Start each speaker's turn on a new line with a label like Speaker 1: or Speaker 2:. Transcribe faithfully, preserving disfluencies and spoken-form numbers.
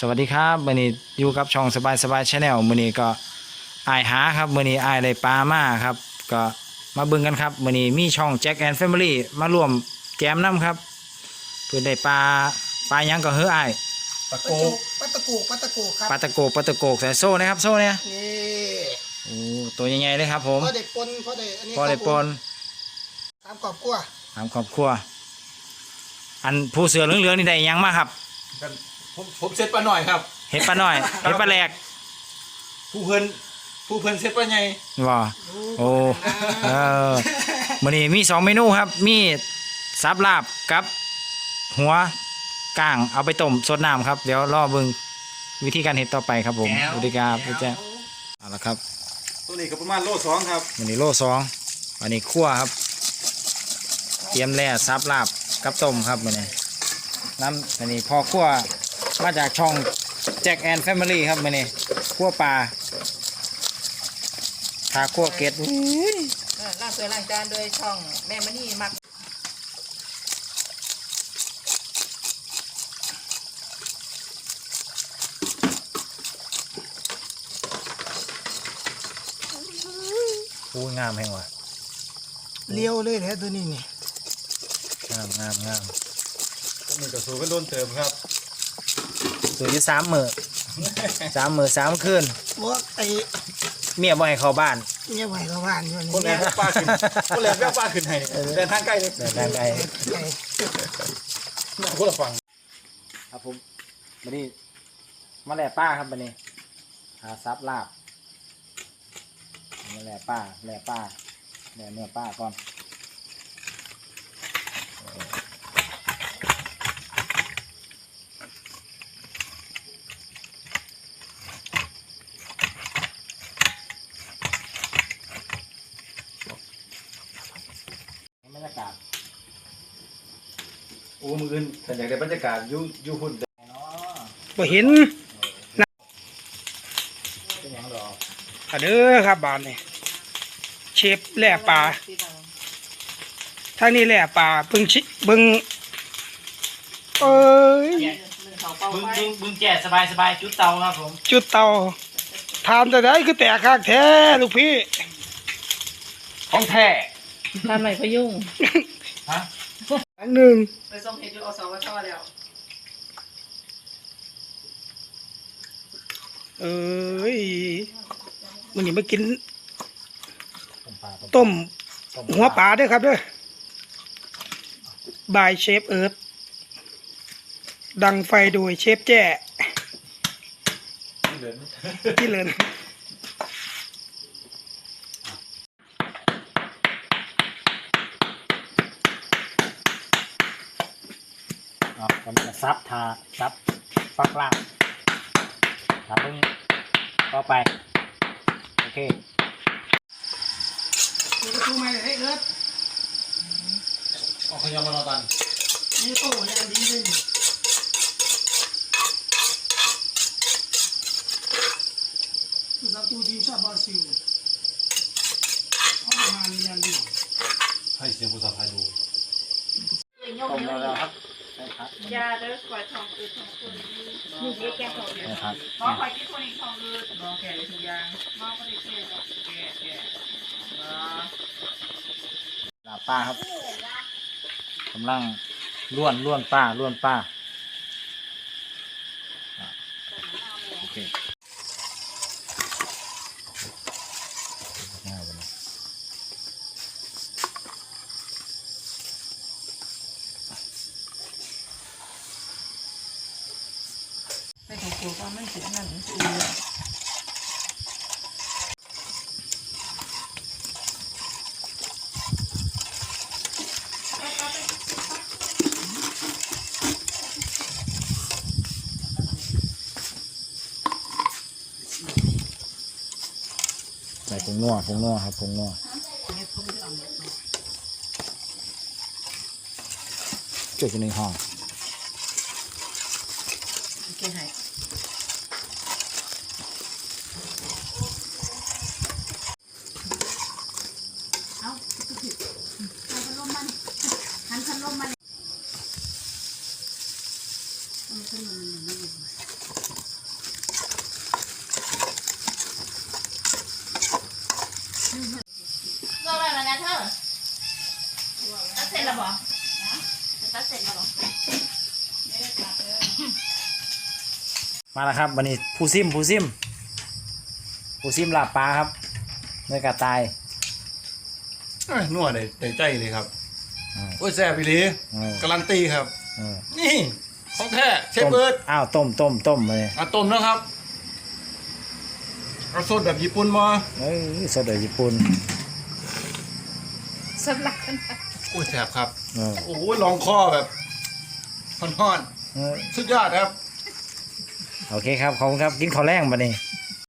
Speaker 1: สวัสดีครับมื้อนี้อยู่กับช่องสบายสบายชาแนลมื้อนี้ก็อายหาครับมื้อนี้อายได้ปลามาครับก็มาเบิ่งกันครับมื้อนี้มีช่องแจ็คแอนด์แฟมิลี่มาร่วมแจมน้ำครับเพิ่นได้ปลาปลาหยังก็เฮ้ออาย
Speaker 2: ปลาโกปลาตะโกปลาตะโกครับ
Speaker 1: ปลาตะโกปลาตะโกใส่โซ่นะครับโซ่เนี่ย
Speaker 2: นี่
Speaker 1: โอ้ตัวใหญ่ๆเลยครับผม
Speaker 2: พอได้ปนพอได้อันนี้
Speaker 1: พอได้ปน
Speaker 2: ตามกรอบกลัว
Speaker 1: ตามครอบครัวอันผู้เสือเหลืองๆนี่ได้หยังมาครับ
Speaker 3: ผมผมเซ็ตปลาหน่อยครับ
Speaker 1: เห็ดปลาน้อยเห็ดปลาแหลก
Speaker 3: ผู้เพิ่นผู้เพิ่นเซ็ตปลาใหญ่
Speaker 1: ว่าโอ้เออมื้อนี้มีสองเมนูครับมีซับลาบกับหัวก้างเอาไปต้มสดน้ำครับเดี๋ยวรอเบิ่งวิธีการเห็ดต่อไปครับผมสวัสดีครับพี่แจ๊คเอาละครับ
Speaker 3: ตัวนี้ก็ประมาณโลสองครับ
Speaker 1: วันนี้โลสองวันนี้คั่วครับเตรียมแล่ซับลาบกับต้มครับมื้อนี้น้ำวันนี้พอคั่วมาจากช่องแจ็คแอนด์แฟมิลี่ครับมื้อนี้คั่วปลาทาคั่วเกล็ด
Speaker 4: ล้างถ้วยล้างจานโดยช่องแม่มณีมัก
Speaker 1: อู้งามแห่งว่ะ
Speaker 2: เลี้ยวเลยแหละตัวนี้นี่
Speaker 1: งามงามงาม
Speaker 3: ตัวนี้ก็สูงก็โดนเติมครับ
Speaker 1: สูอยู่สามมือสามมือสามคืน
Speaker 2: ว่าไอ้
Speaker 1: เมียบ่ให้เข้าบ้าน
Speaker 2: เนี่ยไหวกับบ้านอยู่
Speaker 3: คนแร
Speaker 2: นี่
Speaker 3: กแววปลาขึ้นคนแรกแววปลาขึ้นให้เดินทางใกล้เลย
Speaker 1: เดินทางไกล
Speaker 2: ไอ้
Speaker 3: คนละฝั่ง
Speaker 1: ครับผมบันนี้มาแล่ป้าครับบันนี้หาซับลาบมาแล่ป้าแล่ป้าแล่เนื้อป้าก่อนบรรยากาศ
Speaker 3: โอ้มืออื่นแต่อยากได้บรรยากาศยูยูหุ่น
Speaker 1: เนาะ
Speaker 2: บ่เห็น
Speaker 1: เป็นหยังดอก
Speaker 2: อ่ะเด้อครับบ้านนี่เชฟแหล่ปลาทางนี้แหล่ปลาเบิ่งชิเบิ่งเอ้ย
Speaker 1: บึงบึงบึงแก่สบายสบายจุดเตาครับผม
Speaker 2: จุดเตาทานแต่ได้คือแตกคักแท้ลูกพี่
Speaker 1: ของแท้
Speaker 4: ทำไหนพยุ่ง
Speaker 1: ฮะ
Speaker 2: อันหนึ่ง
Speaker 4: ไปส่งเห็ดอยู่อสวชแล้ว
Speaker 2: เอ้ยมันนี่มากิน
Speaker 1: ต้มปลา
Speaker 2: ต้มหัวปลาด้วยครับเด้วยบายเชฟเอิร์ธดังไฟโดยเชฟแจ้
Speaker 3: เดิน
Speaker 2: ที่เลิน
Speaker 1: อ๋อผมจะซับทาซับปักล่างทาเพิ่งต่อไปโอเค
Speaker 2: ดูประตูใหม่เลยเอิร์ธ
Speaker 3: เอาขยำมานอนตัน
Speaker 2: นี่โต้เนี่ยดีเลยประตูทีมชาติบราซิลเขาทำงานเรียนดี
Speaker 3: ให้เสียงภาษาไทยดู
Speaker 1: ต้มแล้วแล้วครับใช่ครับ
Speaker 4: ยาเด้อกว่าทองอืดทองคนนี่เด็กแก่ทองอืด
Speaker 1: ใช่ครับ
Speaker 4: หมอคอยกินคนอีกทองอืดหมอแก่เลยทุกอย่างหมอก็ได้แก่แก่แก่อ๋อ
Speaker 1: ลาบป้าครับกำลังล้วนล้วนป้าล้วนป้าอ่ะโอเคง่ายเลย
Speaker 4: ไม่ถูกกลัวว่ามันเสียนั่นมันเสีย
Speaker 1: ใส่ผงนัวผงนัวครับผงนัวจุดอยู่ในห้อง
Speaker 4: โอเคให้
Speaker 5: หันพัดลมมาเสร็จแล้วบ่ตัดเสร็จแล้วบ่
Speaker 1: มาแล้วครับวันนี้ผู้ซิมผู้ซิมผู้ซิมลาบปลาครับเนื้อกระต่าย
Speaker 3: เอ้ยนัวในในใจเลยครับ
Speaker 1: อ่า
Speaker 3: โอ้ยแซ่บอีหลี
Speaker 1: เออ
Speaker 3: การันตีครับ
Speaker 1: เออ
Speaker 3: นี่ของแท้เชฟ
Speaker 1: ต้ม
Speaker 3: เบิร์ด
Speaker 1: อ้าวต้มต้มต้มมาเลย
Speaker 3: อ่ะต้มนะครับเอาสดแบบญี่ปุ่นมา
Speaker 1: เอ้ยสดเลยญี่ปุ่น
Speaker 5: สำหรับกัน
Speaker 3: โอ้ยแซ่บครับ
Speaker 1: เออ
Speaker 3: โอ้ยลองคอแบบฮ้อน
Speaker 1: เออ
Speaker 3: ๆสุดยอดครับ
Speaker 1: โอเคครับขอบคุณครับกินข้าวแรงมาเนี่